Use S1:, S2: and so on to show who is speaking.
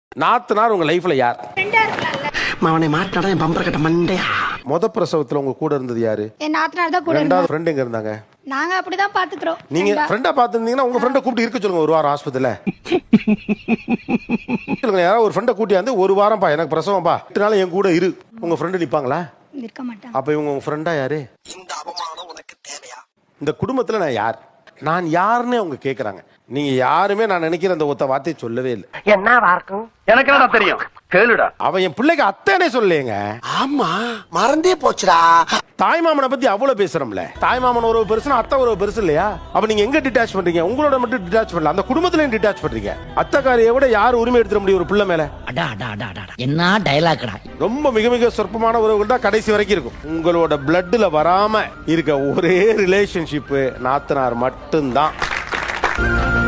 S1: நாத்தனார் உங்க லைஃப்ல யார்?
S2: அவனை மாட்டாடா என் பம்பர கட்ட மண்டையா.
S1: முத பிரசவத்துல உங்க கூட இருந்தது யாரு?
S3: என் நாத்தனார் தான் கூட இருந்தாங்க.
S1: ரெண்டாவது ஃப்ரெண்ட் எங்க இருந்தாங்க?
S3: நாங்க அப்படிதான் பாத்துக்கிறோம்.
S1: நீங்க ஃப்ரெண்டா பாத்துருந்தீங்கன்னா உங்க ஃப்ரெண்டை கூப்பிட்டு இருக்க சொல்லுங்க ஒரு வாரம் ஆஸ்பத்திரியில. சொல்லுங்க, யாராவது ஒரு ஃப்ரெண்டை கூட்டி வந்து ஒரு வாரம் பா எனக்கு பிரசவம் பா 8 நாள் என் கூட இரு. உங்க ஃப்ரெண்டு நிப்பாங்களா?
S3: இருக்க மாட்டாங்க.
S1: அப்ப இவங்க உங்க ஃப்ரெண்டா யாரு?
S2: இந்த அவமானம் உனக்கு தேவையா?
S1: இந்த குடும்பத்துல நான் யார், நான் யாருன்னு அவங்க கேக்குறாங்க. நீங்க யாருமே நான் நினைக்கிற அந்த ஒத்த வார்த்தையை சொல்லவே இல்லை.
S2: என்ன வார்க்கும்
S4: எனக்கு என்ன தெரியும், கேளுடா.
S1: அவன் என் பிள்ளைக்கு அத்தனை சொல்லேங்க.
S2: ஆமா மறந்தே போச்சுடா.
S1: தாய்மாமனை பத்தி அவ்வளவு பேசுறோம்ல. தாய்மாமன் உறவு பெருசுனா அத்தை உறவு பெருசு இல்லையா? அப்ப நீங்க எங்க டிட்டாச் பண்றீங்க? உங்களோட மட்டும் டிட்டாச் பண்ணல, அந்த குடும்பத்திலையும் டிட்டாச் பண்றீங்க. அத்தைக்காரியை விட யார் உரிமை எடுத்துட முடியும் ஒரு பிள்ளை மேல?
S5: என்ன டயலாக்டா.
S1: ரொம்ப மிக மிக சொற்பமான உறவுகள் தான் கடைசி வரைக்கும் இருக்கும். உங்களோட பிளட்ல வராம இருக்க ஒரே ரிலேஷன்ஷிப் நாத்தனார் மட்டும்தான்.